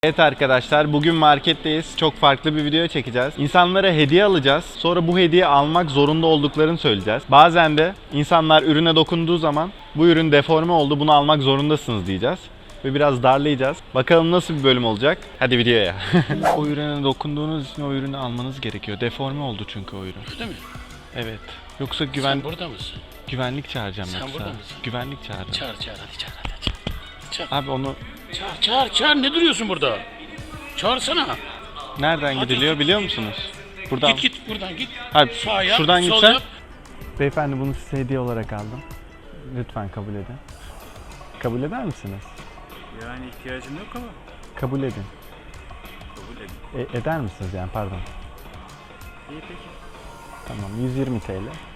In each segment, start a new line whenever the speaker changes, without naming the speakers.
Evet arkadaşlar, bugün marketteyiz. Çok farklı bir video çekeceğiz. İnsanlara hediye alacağız. Sonra bu hediye almak zorunda olduklarını söyleyeceğiz. Bazen de insanlar ürüne dokunduğu zaman bu ürün deforme oldu, bunu almak zorundasınız diyeceğiz. Ve biraz darlayacağız. Bakalım nasıl bir bölüm olacak. Hadi videoya. O ürüne dokunduğunuz için o ürünü almanız gerekiyor. Deforme oldu çünkü o ürün.
Değil mi?
Evet. Yoksa
Sen burada mısın?
güvenlik çağıracağım
Sen
yoksa.
burada mısın?
Güvenlik çağıracağım.
Çağır hadi çağır. Çağır.
Abi onu
Çağır ne duruyorsun burada? Çağırsana.
nereden
Hadi
gidiliyor
git.
biliyor musunuz? Buradan.
Git buradan git.
Hayır,
Sağ yap,
şuradan
sol
gitsen.
yap.
Beyefendi, bunu size hediye olarak aldım. Lütfen kabul edin. Kabul eder misiniz?
Yani ihtiyacım yok ama
Kabul edin.
kabul edin.
Eder misiniz yani, pardon.
İyi peki.
Tamam, 120 TL.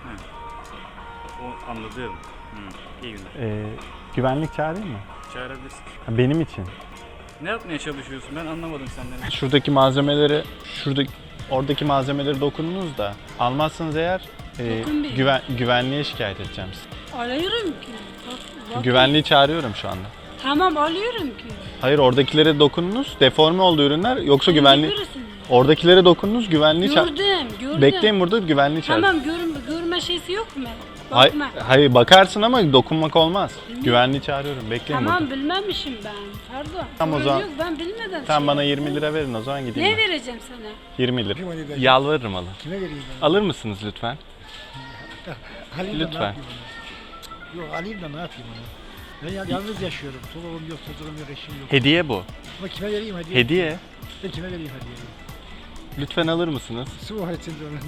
O anladım. İyi günler.
Güvenlik çağırayım mı?
Çağırabilirsin.
Ha, benim için.
Ne yapmaya çalışıyorsun? Ben anlamadım senden.
Şuradaki malzemeleri, oradaki malzemeleri dokununuz da almazsanız eğer
Dokunmayın.
güvenliğe şikayet edeceğim sizi.
Alıyorum ki. Bak.
Güvenliği çağırıyorum şu anda.
Tamam alıyorum ki.
Hayır, oradakilere dokununuz, deforme oldu ürünler, yoksa güvenliği...
Görürsün.
Oradakilere dokununuz, güvenliği
Gördüm.
Bekleyin burada, güvenliği çağır.
Tamam görme şeysi yok mu? Bakma.
Hayır, bakarsın ama dokunmak olmaz. Güvenliği çağırıyorum, bekleyin
Tamam
burada.
bilmemişim ben. Pardon.
Tamam, o
Sorun
zaman-
Yok, ben bilmeden
Tamam,
şey
bana
yaptım.
20 lira verin, o zaman gideyim.
Ne
ben.
vereceğim sana?
20 lira. Yalvarırım alın.
Kime vereyim ben?
Alır mısınız lütfen?
Alayım da
Lütfen.
ne yapayım onu? Yok alayım da ne yapayım onu? Ben yalnız yaşıyorum. Çoluğum yok, çocuğum yok, eşim yok.
Hediye bu.
Ama kime vereyim hediye?
Hediye.
Ben kime vereyim hediyeyi?
Lütfen alır mısınız?
Su var içinde onun.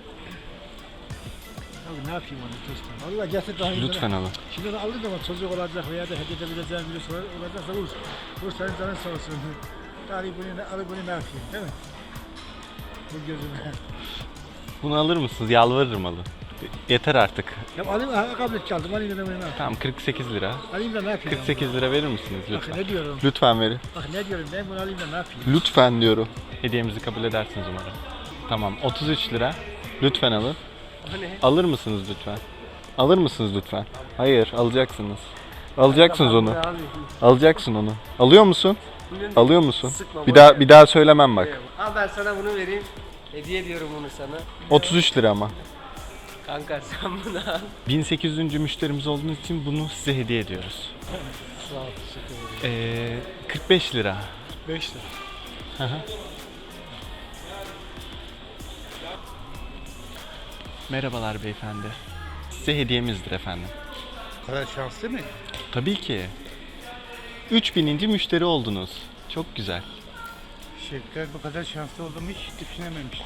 Abi ne yapayım onu dostum? Allah getir daha iyi.
Lütfen alın.
Şimdi de alır da ama çocuk olacak veya da hediye edebileceğim birisi olacaksa vur. Vur senin canın sağ olsun. Alayım bunu ne yapayım değil mi? Bu gözüme.
Bunu alır mısınız? Yalvarırım alın. Yeter artık.
Ya alayım ha kabul çaldım alayım da bunu ne yapayım?
Tamam, 48 lira.
Alayım da ne yapayım?
48 lira verir misiniz
Bak
lütfen?
ne diyorum?
Lütfen verin.
Bak ne diyorum ben bunu alayım da ne yapayım?
Lütfen diyorum. Hediyemizi kabul edersiniz umarım. Tamam, 33 lira. Lütfen alın. Alır mısınız lütfen? Alır mısınız lütfen? Hayır, alacaksınız. Alacaksınız onu. Alacaksın onu. Alıyor musun? Alıyor musun? Bir daha söylemem bak.
Al ben sana bunu vereyim. Hediye ediyorum bunu sana.
33 lira ama.
Kanka sen bunu al.
1800. müşterimiz olduğunuz için bunu size hediye ediyoruz.
Sağ ol, teşekkür ederim.
45 lira.
5 lira.
Hı hı. Merhabalar beyefendi. Size hediyemizdir efendim.
O kadar şanslı mı?
Tabii ki. 3000. müşteri oldunuz. Çok güzel.
Şevket bu kadar şanslı olduğumu hiç düşünememiştim.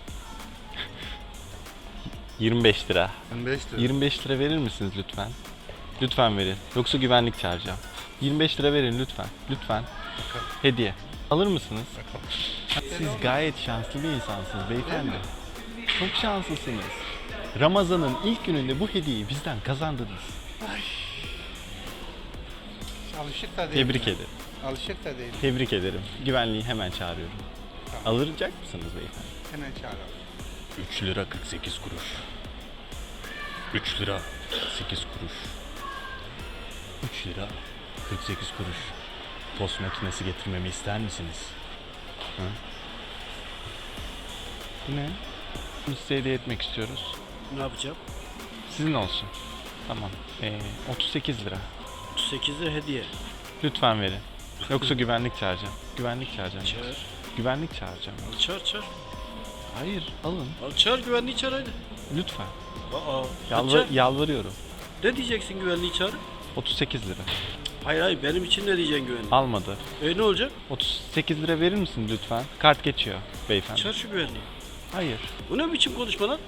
25 lira.
25 lira.
25 lira verir misiniz lütfen? Lütfen verin. Yoksa güvenlik çağıracağım. 25 lira verin lütfen. Lütfen. Hediye. Alır mısınız? Siz gayet şanslı bir insansınız beyefendi. Çok şanslısınız. Ramazan'ın ilk gününde bu hediyeyi bizden kazandınız.
Alışık da değil.
Tebrik ederim.
Alışık da değil.
Tebrik ederim. Güvenliği hemen çağırıyorum. Alacak mısınız beyefendi?
Hemen çağıralım.
3 lira 48 kuruş. 3 lira 8 kuruş. 3 lira 48 kuruş. Tost makinesi getirmemi ister misiniz? Hı? Bu ne? Bunu size hediye etmek istiyoruz.
Ne yapacağım?
Sizin olsun. Tamam. 38 lira.
38 lira hediye.
Lütfen verin. Yoksa güvenlik çağıracağım. Güvenlik çağıracağım.
Çağır.
Güvenlik çağıracağım.
Çağır.
Hayır, alın.
Al çağır güvenliği çağır hadi.
Lütfen.
Çağır.
Yalvarıyorum.
Ne diyeceksin güvenliği çağır?
38 lira.
Hayır benim için ne diyeceksin güvenliği?
Almadı.
Ne olacak?
38 lira verir misin lütfen? Kart geçiyor beyefendi.
Çağır şu güvenliği.
Hayır.
Bu ne biçim konuşma lan?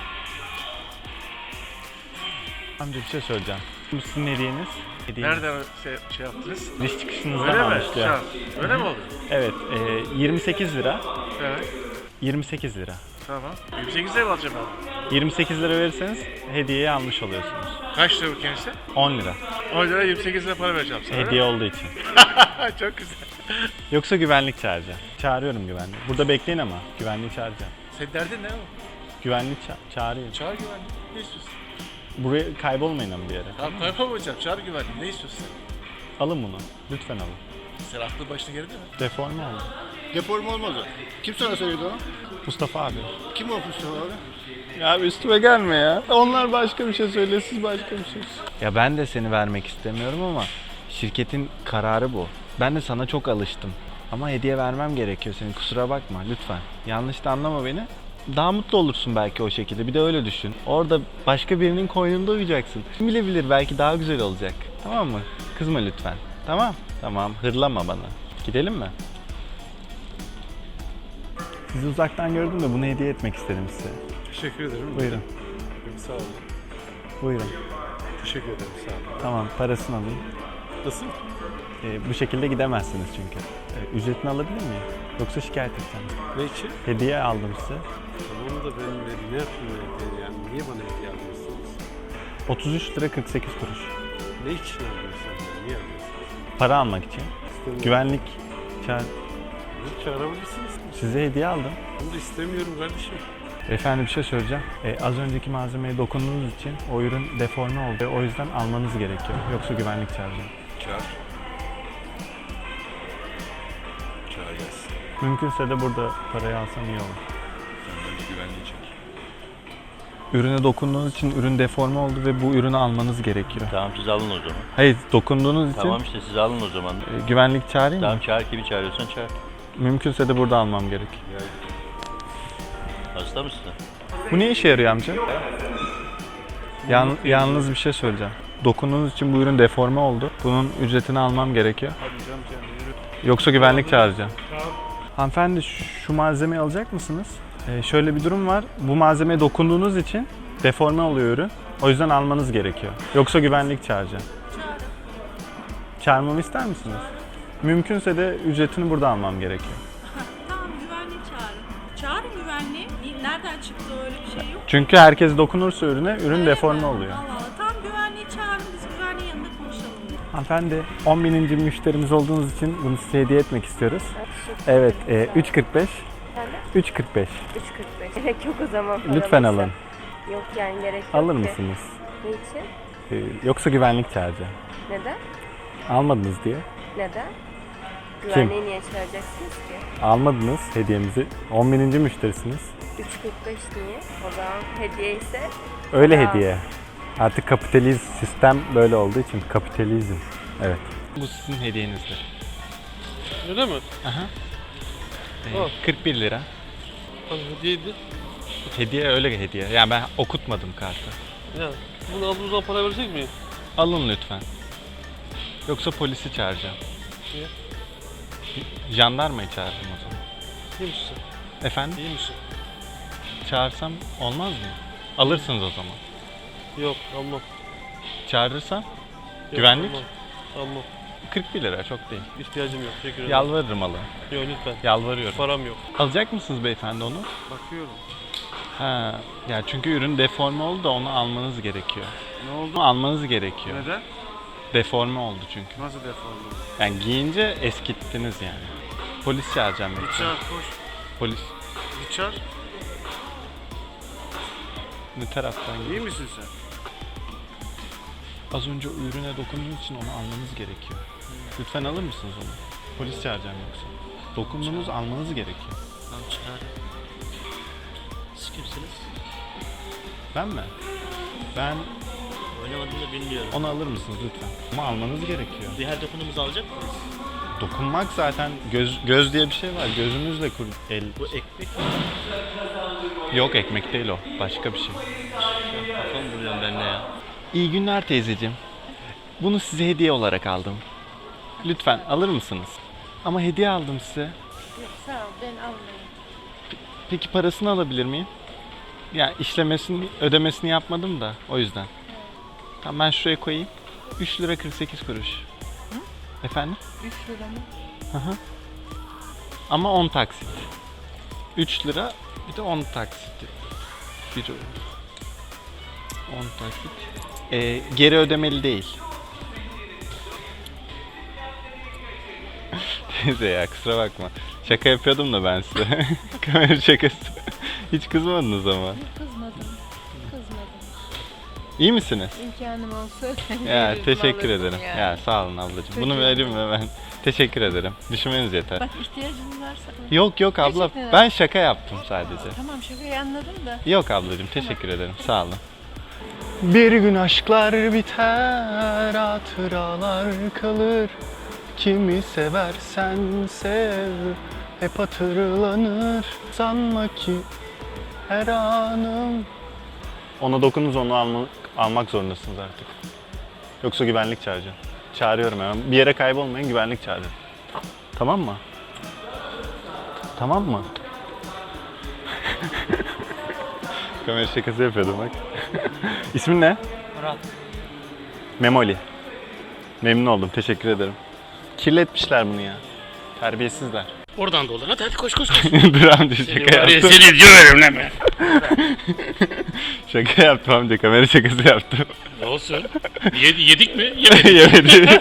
Amca bir şey söyleyeceğim. Bu sizin hediyeniz.
Nereden şey yaptınız?
Diş çıkışınızdan
Öyle mi?
almışlar.
Şans. Öyle mi oldu?
Evet. 28 lira.
Evet.
28 lira.
Tamam. 28 lira mı alacağım abi?
28 lira verirseniz hediyeyi almış oluyorsunuz.
Kaç lira bu kendisi?
10 lira.
10 lira 28 lira para vereceğim sana.
Hediye olduğu için.
Çok güzel.
Yoksa güvenlik çağıracağım. Çağırıyorum güvenliği. Burada bekleyin ama güvenliği çağıracağım.
Senin derdin ne oğlum?
Güvenlik çağırayım.
Çağır güvenliği. Ne istiyorsun?
Buraya kaybolmayın ama bir yere.
Tamam kaybolmayacağım. Çağır güvenliği. Ne istiyorsun?
Alın bunu. Lütfen alın.
Sen aklı başına geldi mi?
Deforme oldu.
Deforme olmadı. Kim sana söyledi onu?
Mustafa abi.
Kim o Mustafa abi?
Ya abi üstüme gelme ya. Onlar başka bir şey söyle, siz başka bir şey. Ya ben de seni vermek istemiyorum ama şirketin kararı bu. Ben de sana çok alıştım. Ama hediye vermem gerekiyor senin. Kusura bakma lütfen. Yanlış da anlama beni. Daha mutlu olursun belki o şekilde. Bir de öyle düşün. Orada başka birinin koynunda uyuyacaksın. Kim bilebilir, belki daha güzel olacak. Tamam mı? Kızma lütfen. Tamam? Tamam. Hırlama bana. Gidelim mi? Sizi uzaktan gördüm de bunu hediye etmek istedim size.
Teşekkür ederim.
Buyurun.
Sağ olun.
Buyurun.
Teşekkür ederim. Sağ olun.
Tamam, parasını alayım.
Nasıl?
Bu şekilde gidemezsiniz çünkü. Ücretini alabilir miyim? Yoksa şikayet edeceğim.
Ne için?
Hediye aldım size.
Tamam da ben ne yaptım yani? Niye bana hediye alıyorsunuz?
33 lira 48 kuruş.
Ne için alıyorsunuz? Niye alıyorsunuz?
Para almak için.
İstemiyorum.
Güvenlik çağır.
Çağırabilirsiniz.
Size hediye aldım.
Bunu da istemiyorum kardeşim.
Efendim bir şey söyleyeceğim. Az önceki malzemeye dokunduğunuz için o ürün deforme oldu. O yüzden almanız gerekiyor. Yoksa güvenlik çağıracağım.
Çağır. Çağır gelsin.
Mümkünse de burada parayı alsam iyi olur.
Önce güvenliği çek.
Ürüne dokunduğunuz için ürün deforme oldu ve bu ürünü almanız gerekiyor.
Tamam siz alın o zaman.
Hayır, dokunduğunuz için
Tamam işte siz alın o zaman.
güvenlik çağırayım
Tamam
mı?
çağır, kimi çağırıyorsan çağır.
Mümkünse de burada almam gerek.
Hasta mısın?
Bu ne işe yarıyor amca? Yalnız bir şey söyleyeceğim. Dokunduğunuz için bu ürün deforme oldu. Bunun ücretini almam gerekiyor. Yoksa güvenlik çağıracağım. Hanımefendi şu malzemeyi alacak mısınız? Şöyle bir durum var. Bu malzemeye dokunduğunuz için deforme oluyor ürün. O yüzden almanız gerekiyor. Yoksa güvenlik çağıracağım. Çağırmamı ister misiniz? Mümkünse de ücretini burada almam gerekiyor.
Tamam güvenliği çağırın. Çağırın güvenliği. Nereden çıktı öyle bir şey yok.
Çünkü herkes dokunursa ürüne, ürün deforme oluyor.
Allah Allah. Tamam güvenliği çağırın. Biz güvenliğin yanında konuşalım.
Hanımefendi 10.000. müşterimiz olduğunuz için bunu size hediye etmek istiyoruz. Evet 3.45. 3.45.
3.45. Gerek yok o zaman.
Lütfen
paramızı.
alın.
Yok yani gerek yok
Alır
ki.
mısınız?
Ne için?
Yoksa güvenlik çağıracağım.
Neden?
Almadınız diye.
Neden? Güvenliği niye çağıracaksınız ki?
Almadınız hediyemizi. 10.000. müşterisiniz.
3.45 niye? O zaman hediye ise
Öyle
Ya.
hediye. Artık kapitalizm sistem böyle olduğu için kapitalizm. Evet. Bu sizin hediyenizdir.
Öyle mi?
Aha.
Oh.
41 lira.
Hediyeydi.
Hediye öyle hediye. Yani ben okutmadım kartı.
Ya bunu aldığımız zaman para verecek miyiz?
Alın lütfen. Yoksa polisi çağıracağım.
Niye?
Jandarmayı çağırırım o zaman.
İyi misin?
Efendim?
İyi misin?
Çağırsam olmaz mı? Alırsınız o zaman.
Yok almam.
Çağırırsam?
Yok,
Güvenlik?
Almam.
41 lira çok değil.
İhtiyacım yok. Teşekkür ederim.
Yalvarırım alın.
Yok lütfen.
Yalvarıyorum.
Param yok.
Alacak mısınız beyefendi onu?
Bakıyorum.
Ha, ya çünkü ürün deforme oldu da onu almanız gerekiyor.
Ne oldu?
Onu almanız gerekiyor.
Neden?
Deforme oldu çünkü.
Nasıl deforme?
Yani giyince eskittiniz yani. Polis çağıracağım.
Git
yoksa.
çağır koş.
Polis.
Git çağır.
Ne taraftan
İyi
gidiyor?
misin sen?
Az önce o ürüne dokunduğunuz için onu almanız gerekiyor. Lütfen alır mısınız onu? Polis çağıracağım yoksa. Dokunduğunuz almanız gerekiyor.
Tamam çağır. Siz kimsiniz?
Ben mi? Ben
Oynamadığını bilmiyorum.
onu alır mısınız lütfen? Ama almanız gerekiyor.
Diğer dokunumuzu alacak mıyız?
Dokunmak zaten göz diye bir şey var. Gözümüzle el.
Bu ekmek
Yok ekmek değil o. Başka bir şey.
kafamı buluyorum ben de ya.
İyi günler teyzeciğim. Bunu size hediye olarak aldım. Lütfen alır mısınız? Ama hediye aldım size.
yok sağ ol ben almayayım.
Peki parasını alabilir miyim? Ya işlemesini, ödemesini yapmadım da o yüzden. Tamam ben şuraya koyayım. 3 lira 48 kuruş. Efendim?
3 lira mı?
Hı hı. Ama 10 taksit. 3 lira bir de 10 taksit. 10 taksit. Geri ödemeli değil. Teyze ya kusura bakma. Şaka yapıyordum da ben size. Kamera şakası. Hiç kızmadınız ama.
Kızmadım.
İyi misiniz?
İmkanım olsa
Ya teşekkür ederim. Ya sağ olun ablacığım. Bunu vereyim mi ben? Teşekkür ederim. Düşünmeniz yeter.
Bak ihtiyacın varsa.
Yok yok abla.
Teşekkür ederim.
Ben şaka yaptım sadece.
Tamam şakayı anladım da.
Yok ablacığım teşekkür ederim. Sağ olun. Bir gün aşklar biter, hatıralar kalır. Kimi seversen sev, hep hatırlanır. Sanma ki her anım. Ona dokununuz onu almak zorundasınız artık. Yoksa güvenlik çağıracağım. Çağırıyorum hemen. Bir yere kaybolmayın, güvenlik çağırıyorum. Tamam mı? Tamam mı? Kamera şakası yapıyordum bak. İsmin ne?
Murat.
Memoli. Memnun oldum. Teşekkür ederim. Kirletmişler bunu ya. Terbiyesizler.
Oradan dolan. Hadi koş koş koş.
Dur amca
Seni
şaka
var ya
yaptım.
seni döverim lan ben.
Şaka yaptım amca. Kamera şakası yaptım.
Ne olsun? Yedik mi? Yemedik.
Yemedi.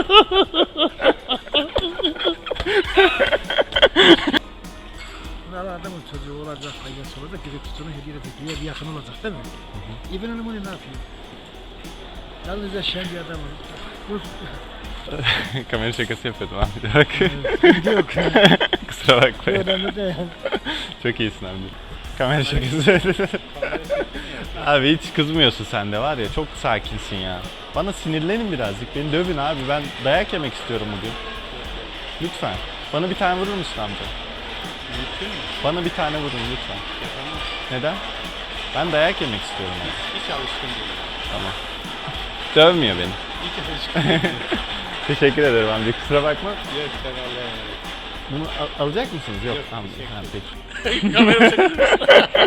Bunlar adamın çocuğu olacak, ailesi olacak, gidip tutunu hediye edecek, bir yakın olacak değil mi? İbn Hanım onu ne yapıyor? Yalnızca şen bir adam olur. Dur.
Kamera şakası yapıyordum amca. Bak.
Yok.
Kusura bakmayın.
Önemli değil.
Çok iyisin amca. Kamera şakası. Abi hiç kızmıyorsun sen de var ya. Çok sakinsin ya. Bana sinirlenin birazcık. Beni dövün abi. Ben dayak yemek istiyorum bugün. Lütfen. Bana bir tane vurur musun amca? Bana bir tane vurun lütfen. Neden? Ben dayak yemek istiyorum.
Hiç alışkın değil.
Tamam. Dövmüyor beni.
Hiç alışkın değil.
Teşekkür ederim amca. Kusura bakma.
Yok sen Allah'a emanet.
Bunu alacak mısınız? Yok. Amca. Ha, peki.
Kamera çekiyorsun.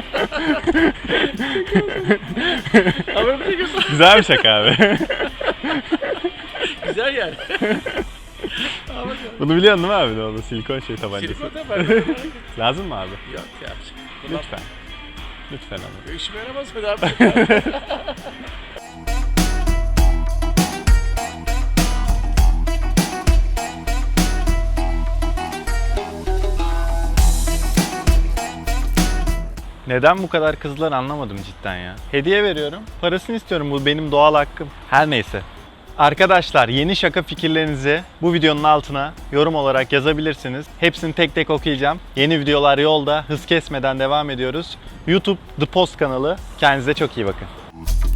Kamera çekiyorsun.
Güzel bir şaka abi.
Güzel yani.
Bunu biliyorsun değil mi abi? Ne oldu? Silikon şey tabancası.
Silikon da
Lazım mı abi?
Yok yapacak.
Lütfen. Lütfen ama.
İşime yaramaz mı abi?
Neden bu kadar kızlar anlamadım cidden ya. Hediye veriyorum. Parasını istiyorum. Bu benim doğal hakkım. Her neyse. Arkadaşlar yeni şaka fikirlerinizi bu videonun altına yorum olarak yazabilirsiniz. Hepsini tek tek okuyacağım. Yeni videolar yolda. Hız kesmeden devam ediyoruz. YouTube The Post kanalı. Kendinize çok iyi bakın.